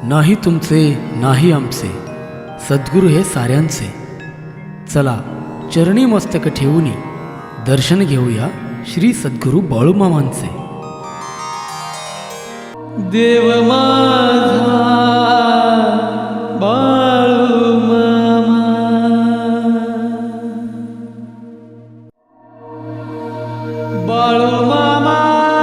नाही तुमचे नाही आमचे, सद्गुरू हे साऱ्यांचे. चला चरणी मस्तक ठेवूनी दर्शन घेऊया श्री सद्गुरू बाळूमामांचे. देव माझा बाळूमामा, बाळूमामा.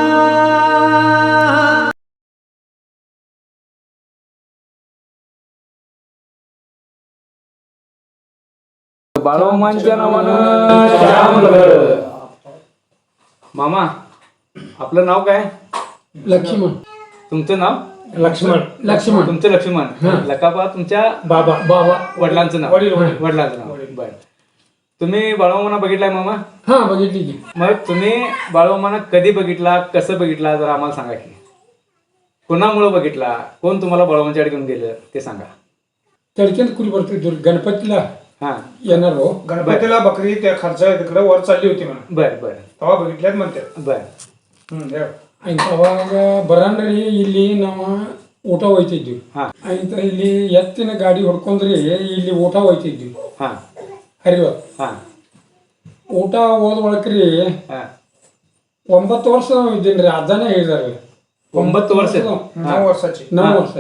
बाळूमामांच्या नावानं श्यामगड. मामा, आपलं नाव काय? लक्ष्मण. तुमचं नाव? लक्ष्मण. तुमचं लक्ष्मण. लकाबा तुमच्या बाबा वडिलांचं नाव? वडिलांचं नाव. बर. तुम्ही बाळूमामांना बघितलाय मामा? हा, बघितली की. मग तुम्ही बाळूमामांना कधी बघितला, कसं बघितला, जरा आम्हाला सांगा की. कोणामुळे बघितला, कोण तुम्हाला बाळूमामांच्याकडे घेऊन गेलं ते सांगा. तडक्यात कुल भरतो गणपतीला हा येणार हो. गणपतीला बकरी त्या खर्च तिकडे वर चालली होती म्हणा. बर बर तेव्हा बघितल्यात म्हणतात. बर. ಅವಾಗ ಬರಾಂಡ್ರಿ ಇಲ್ಲಿ ನಾವು ಊಟ ಹೋಯ್ತಿದ್ವಿ. ಆಯ್ತು, ಇಲ್ಲಿ ಎತ್ತಿನ ಗಾಡಿ ಹೊಡ್ಕೊಂಡ್ರಿ ಇಲ್ಲಿ ಊಟ ಹೋಯ್ತಿದ್ವಿ ಹರಿವ. ಊಟ ಹೋದ ಒಳಕ್ರಿ 9 ವರ್ಷ ನಾವು ಇದ್ದೀನ್ರಿ. ಅಜ್ಜನೇ ಹೇಳಿದಾರೆ 9 ವರ್ಷ. 9 ವರ್ಷಾची. 9 ವರ್ಷ.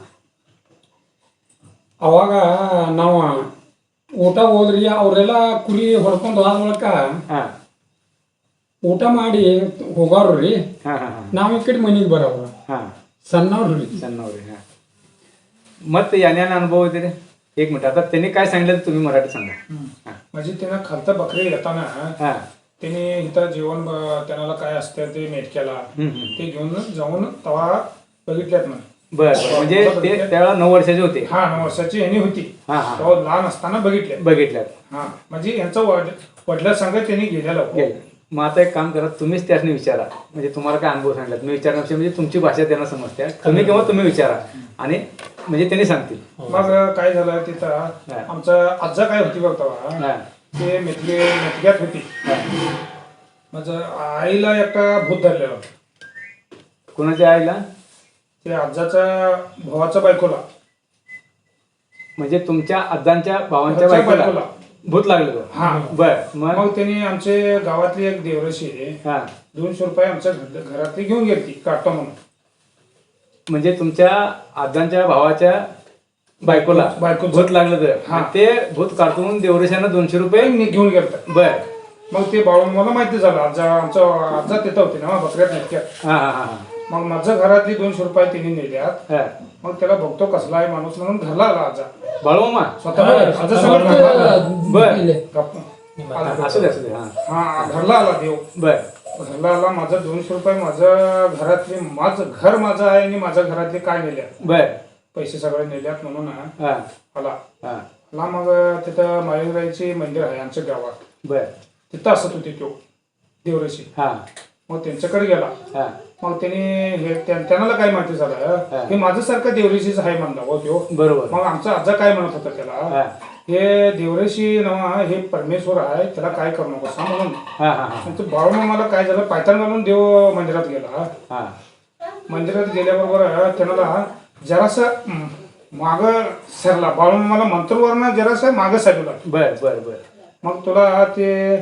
ಅವಾಗ ನಾವು ಊಟ ಹೋದ್ರಿ, ಅವರೆಲ್ಲ ಕುರಿ ಹೊಡ್ಕೊಂಡು ಹೋದ ಒಳಕ ಊಟ ಮಾಡಿ ಹೋಗಾರ್ರಿ. ನಾವ್ ಈ ಕಡೆ ಮನೆಗೆ ಬರವ್ರ ಸಣ್ಣವ್ರಿ. ಮತ್ತೆ याने अनुभव होते रे. एक मिनिट, आता त्यांनी काय सांगितलं तुम्ही मराठी सांगा. म्हणजे त्यांना खालता बकरी येताना त्यांनी इथं जेवण त्यांना काय असतं ते मेटक्याला ते घेऊन जाऊन तवा बघितल्यात म्हणे. बर. म्हणजे ते त्यावेळेला 9 वर्षाचे होते. 9 वर्षाची यांनी होती. तेव्हा लहान असताना बघितल्यात. म्हणजे यांचा वडिला सांगत त्यांनी गेलेला. मग आता एक काम करा, तुम्हीच त्याने विचारा. म्हणजे तुम्हाला काय अनुभव सांगितला तुम्ही विचारण्यापेक्षा म्हणजे तुमची भाषा त्यांना समजते. तुम्ही किंवा तुम्ही विचारा आणि म्हणजे त्यांनी सांगतील. मग काय झालं तिथं आमचा आजा काय होती बघता ते मेटक्यात होती. माझं आईला एकटा भूत धरलेला. कोणाच्या आईला? ते आजाच्या भावाच्या बायकोला. म्हणजे तुमच्या आजांच्या भावांच्या बायकोला भूत लागलं. बर. मग त्यांनी आमचे गावातली एक देवरशी 200 रुपये आमच्या घरातली घेऊन गेली काढतो म्हणून. म्हणजे तुमच्या आजांच्या भावाच्या बायकोला भूत लागलं तर ते भूत काढून देवरेशानं 200 रुपये घेऊन गेलं. बर. मग ते मला माहिती झालं. आमचा तिथं होते ना बकऱ्यात नेटक्यात. मग माझ्या घरातली 200 रुपये तिने नेल्यात. मग त्याला बघतो कसला आहे माणूस म्हणून घरला आला आजा. बाळूमामा स्वतः बर. असू दे. घरला आला देव. बर. घरला आला. माझं 200 रुपये माझं घरातले घर माझं आहे आणि माझ्या घरातले काय नेल्यात. बर. पैसे सगळे नेल्यात म्हणून आला. मग तिथं माळीराईचे मंदिर आहे आमच्या गावात. बर. तिथं असत होते तो देवरेशी. मग त्यांच्याकडे गेला. मग त्यांना काय माहिती झालं हे माझ्यासारखं देवरेशीच आहे म्हणला हो तो. बरोबर. मग आमचा आजा काय म्हणत होता त्याला, हे देवरेशी नवा हे परमेश्वर आहे, त्याला काय करू नको सांग म्हणून. बाळूमामाला काय झालं, पायतान घालून देव मंदिरात गेला. मंदिरात गेल्याबरोबर त्यांना जरासं माग सरला. बाळूमामाला मंत्रवरनं जरासं माग सरला. बर बर बर. मग तुला ते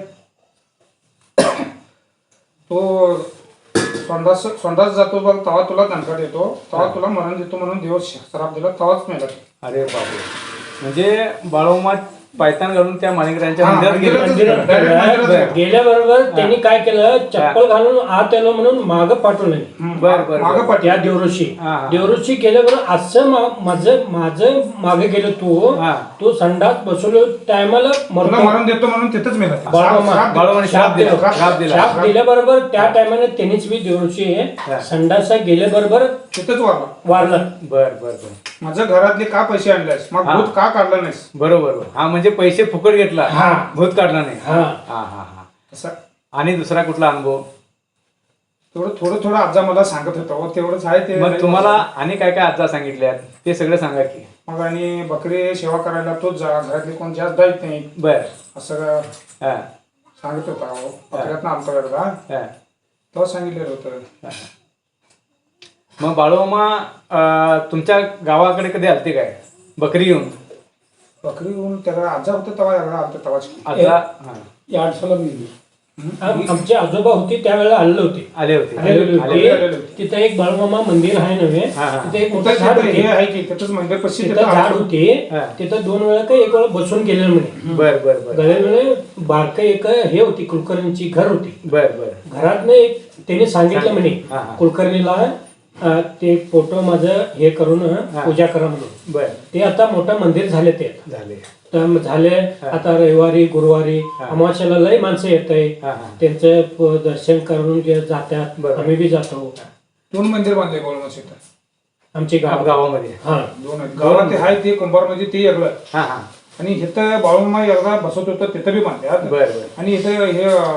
तो संडास जातो बघ, तेव्हा तुला दणका देतो, तेव्हा तुला मरण देतो म्हणून देव श्राप दिला, तेव्हाच मेला. अरे बापरे. म्हणजे बाळूमामा पायतान घालून त्या माणिकरांच्या मंदिरात गेल्याबरोबर त्यांनी काय केलं, चप्पल घालून आत आलो म्हणून माग पाठवलं. बर. त्या देवऋषी गेल्याबरोबर असं माझं मागे गेलो तो संडास बसवलो टायमाला मरण देतो म्हणून तिथंच मेला. बाळूमामा श्राप दिल्याबरोबर त्या टायमाला त्यांनीच मी देवऋषी संडासा गेल्याबरोबर तिथंच वारलं. बर बर बर. माझ्या घरातले का पैसे आणलेस, मग भूत का काढला नाहीस. बरोबर. म्हणजे पैसे फुकट घेतला, भूत काढला नाही. आणि दुसरा कुठला अनुभव? थोडं आजा मला सांगत होता तेवढंच आहे ते. मग तुम्हाला आणि काय काय आजा सांगितल्यात ते सगळं सांगा की. मग आणि बकरी सेवा करायला तोच घरातले कोण जास्त जायत नाही. बर. असं सांगत होता. बकऱ्यात आमचा तेव्हा सांगितलेलं होतं. मग बाळूमामा तुमच्या गावाकडे कधी आलते काय बकरी घेऊन? बकरी घेऊन त्याला आजा होतं तेव्हा आमच्या तवाच आता हा. या अडसाला गेली. आमचे आजोबा होते त्यावेळेला आले होते. आले होते आलेले आले होते. होते. तिथं एक बाळूमामा मंदिर आहे नव्हे. हा, हा. तिथे एक मोठं झाड हे होते. आहे की त्याच मंदिर पश्चिम तिथं झाड होते. हा. तिथं 2 वेळा का 1 वेळा बसून गेलेलं म्हणे. बर बर बर गळ्यामध्ये बारक एक हे होती कुलकर्णीची घर होती. बर बर घरात एक त्यांनी सांगितलं म्हणे हा, हा. कुलकर्णीला ते फोटो माझं हे करून पूजा करा म्हणून. बर ते आता मोठं मंदिर झाले ते. झाले तर झाले आता रविवारी गुरुवारी अमावास्याला लय माणसं येत आहे. हा, हा. त्यांचं दर्शन करून जातात. बरं. आम्ही बी जातो. 2 मंदिर बांधले बाळूमामा शेतात. आमची गाव गावामध्ये हा 2 आहेत. गावात ते आहे ते कुंभार म्हणजे ते वेगळं. हा हा आणि इथं बाळूमामा एकदा बसत होतं तिथं बी बांधल्यात. बर बर आणि इथं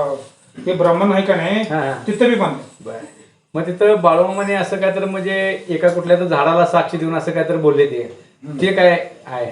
हे ब्राह्मण आहे का नाही हा, हा. तिथं बी बांधले. बर मग तिथं बाळूमामाने असं काय तर म्हणजे एका कुठल्या तर झाडाला साक्ष देऊन असं काय तर बोलले ते काय आहे?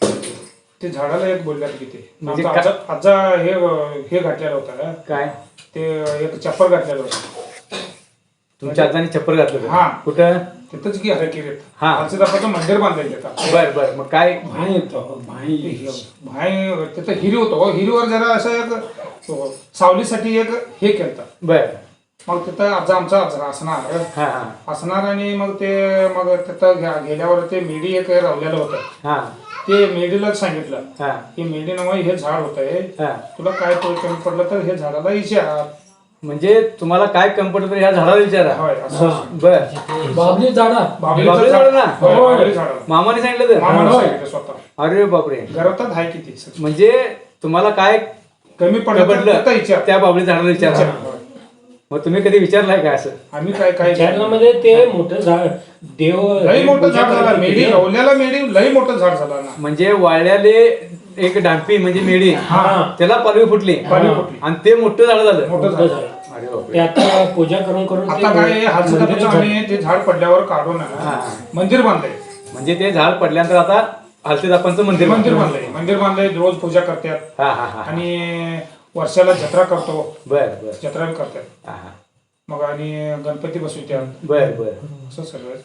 ते झाडाला एक बोलल्यात की ते म्हणजे आमचा आजा हे घातलेलं होतं काय ते एक चप्पल घातलेलं होतं. तुमच्या आजाने छप्पर घातलं होतं? हा. कुठं? तिथंच की हरकिरीत हा. आमचं दाखवतं मंदिर बांधलं तिथं. बर बर मग काय? भाई येतो भाई. भाई तिथं हिरी होतो. हिरीवर जरा असं एक सावलीसाठी एक हे केलं. बर मग तिथं आमचा असणार हा हा असणार आणि मग तिथं गेल्यावर ते मेडी एक रावलेलं होतं. हा ते मेडीलाच सांगितलं हा की मेडी नाव हे झाड होतंय, हा तुला काय कमी पडलं तर हे झाडाला विचार. म्हणजे तुम्हाला काय कम्फर्टेबल ह्या झाडाला विचारा. होय असं. बर बाबली झाडा. बाभळीचं बाभळी झाड झाड ना? होय, बाभळी झाडाला. मामाने सांगितलं तर? मामानं सांगितलं स्वतः. अरे बापरे. घरातच आहे किती म्हणजे तुम्हाला काय कमी पडलं तर तिथं विचार. त्या बाबळी झाडाला विचारा. होय. मग तुम्ही कधी विचारलाय काय असं? आम्ही काय चॅनलमध्ये ते मोठं झाड देव लई मोठं पूजा झाड झालं. करत मेडी होते. रवल्याला मेडी लई मोठं झाड झालं ना. म्हणजे वाळल्याले एक डांपी म्हणजे मेढी त्याला पालवी फुटली पालवी फुटली. आणि ते मोठं झाड झालं. मोठं मोठं झाड. झाड. अरे बापरे. ते आता पूजा करून करून ते आता काय मंदिर हलसदाचं झालं. आम्ही ते झाड पडल्यावर काढून मंदिर बांधलंय. म्हणजे ते झाड पडल्यानंतर आता हलसीदापांचं मंदिर मंदिर बांधलंय. रोज पूजा करतात हा हा हा आणि वर्षाला जत्रा करतो. बर बर जत्रा बी करतात. हा हा मग आणि गणपती बसवतात. बर बर. असं सगळं.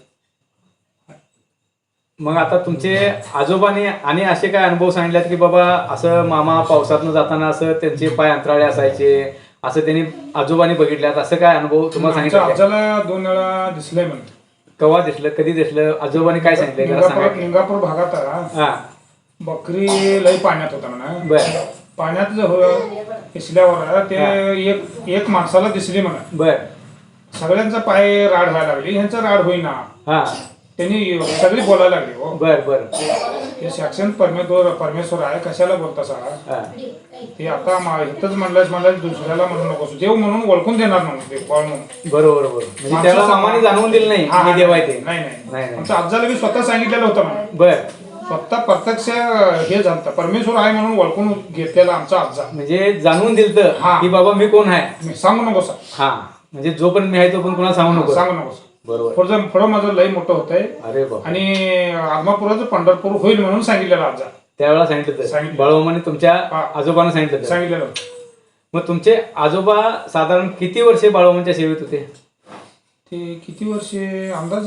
मग आता तुमचे आजोबाने आणि असे काय अनुभव सांगितलेत की बाबा असं मामा पावसातनं जाताना असं त्यांचे पाय अंतराळे असायचे असं त्यांनी आजोबाने बघितल्यात असं काय अनुभव तुम्हाला आमच्या सांगितलं? आजाला 2 वेळा दिसलंय म्हणते. केव्हा दिसलं, कधी दिसलं, आजोबाने काय सांगितलं जरा सांगा की. लिंगापूर भागात हा बकरी लई पाण्यात होता म्हणा. बर पाण्यात दिसल्यावर ते एक माणसाला दिसली म्हणा. बर सगळ्यांचा पाय राड व्हायला लागली. ह्यांचं राड होईना. हा त्यांनी सगळी बोलायला लागली. हो बर बर हे साक्षात परमेश्वर आहे, कशाला बोलता सा? हा ते आता इथंच म्हणलं दुसऱ्याला म्हणू नकोस. देव म्हणून ओळखून देणार म्हणून देव बाळ म्हणून. बरोबर बरोबर. म्हणजे त्याला मामाने जाणवून दिलं नाही हा, मी देव आहे ते. नाही नाही, नाही. आमच्या आजाला बी स्वतः सांगितलेलं होतं म्हणा. बर स्वतः प्रत्यक्ष हे झालं परमेश्वर आहे म्हणून ओळखून घेतलेला आमचा आजा. म्हणजे जाणून दिलं हा. की बाबा मी कोण आहे. मी सांगू नकोस. हा म्हणजे जोपर्यंत मी आहे तोपर्यंत कोणाला सांगू नको. सांगू नकोस. बरोबर. पुढं माझं लई मोठं होतंय अरे बाप. आणि आदमापुराचं पंढरपूर होईल म्हणून सांगितलेलं आजा. त्यावेळेला सांगितलं सांगितलं. बाळूमामाने तुमच्या हा. आजोबांना सांगितलं. सांगितलेलं. मग तुमचे आजोबा साधारण किती वर्षे बाळूमामाच्या सेवेत होते? ते किती वर्षे अंदाज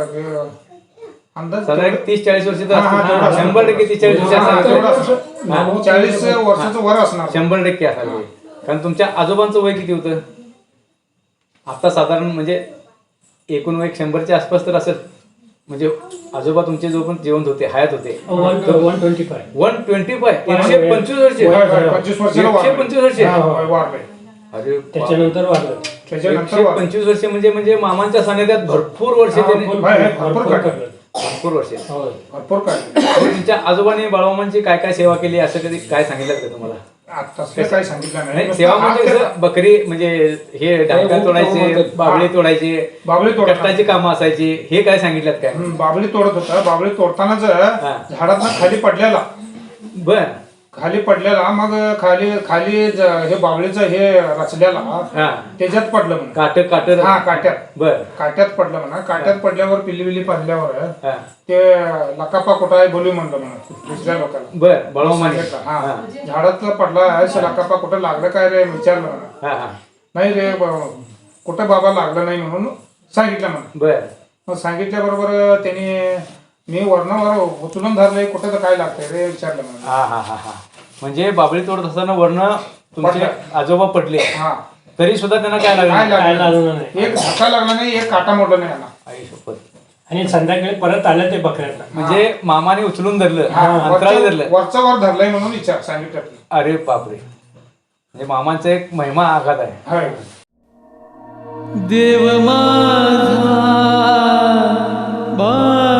साधारण 30-40 वर्ष तर हा, हा, असतील. तेवढं 100% 30-40 वर्ष तेवढं असायला असं. 40 वर्षाचं वर असणार. 100% असायला पाहिजे. कारण तुमच्या आजोबांचं वय किती होतं? आता साधारण म्हणजे एकूण वय 100च्या आसपास तर असेल. म्हणजे आजोबा तुमचे जो पण जिवंत होते हयात होते 125. 125 125 वर्ष. होय, होय, 25 वर्षाला वारले. 125 वर्ष. होय, वारले. अरे बाप. त्याच्यानंतर वाढलं. त्याच्यानंतर वारले. 125 वर्ष म्हणजे मामांच्या सानिध्यात भरपूर वर्ष त्याने भरपूर काढले. भरपूर वर्ष. होय. भरपूर काढले. तुमच्या आजोबाने बाळूमामांची काय काय सेवा केली असं कधी काय सांगितलं का तुम्हाला? तसं काही सांगितलं नाही नाही. सेवा म्हणजे कसं बकरी म्हणजे हे डांगा तोडायचे, बाबळे तोडायचे, बाबळी तोडतात. कष्टाची कामं असायची, हे काय सांगितलं काय? बाबळी तोडत होता. बाबळी तोडतानाच झाडातनं खाली पडलेला. बर खाली पडलेला मग खाली हे बाबळीचं हे रचलेला हा त्याच्यात पडलं म्हणून. काट हा काट्यात बर काट्यात पडलं म्हणा. काट्यात पडल्यावर पिल्ली पडल्यावर हा ते लकापा कुठं आहे बोलू म्हणलं म्हणा दुसऱ्या लोकांना. बर बाळूमामाने हा झाडातलं पडला आहे लकापा कुठं लागलं काय रे विचारलं म्हणा. हा हा नाही रे कुठं बाबा लागलं नाही म्हणून सांगितलं म्हणा. बर मग सांगितल्याबरोबर त्यांनी मी वरणावर उचलून धरलंय कुठं तर काय लागतंय रे विचारलं मला. हा हा हा हा म्हणजे बाबळी तोडत असताना वर्ण तुमचे आजोबा पडले हा तरी सुद्धा त्यांना काय काय लागलं काय लागलं लागलं नाही. एक धक्का लागला नाही, एक काटा मोडला नाही यांना. आई शपथ. आणि संध्याकाळी परत आलं ते बकऱ्याला. म्हणजे मामाने उचलून धरलं हा, अंतराला धरलं. वरचं वर धरलंय म्हणून विचार सांगितलं. अरे बापरे म्हणजे मामांचा एक महिमा आघात आहे. होय. देव माझा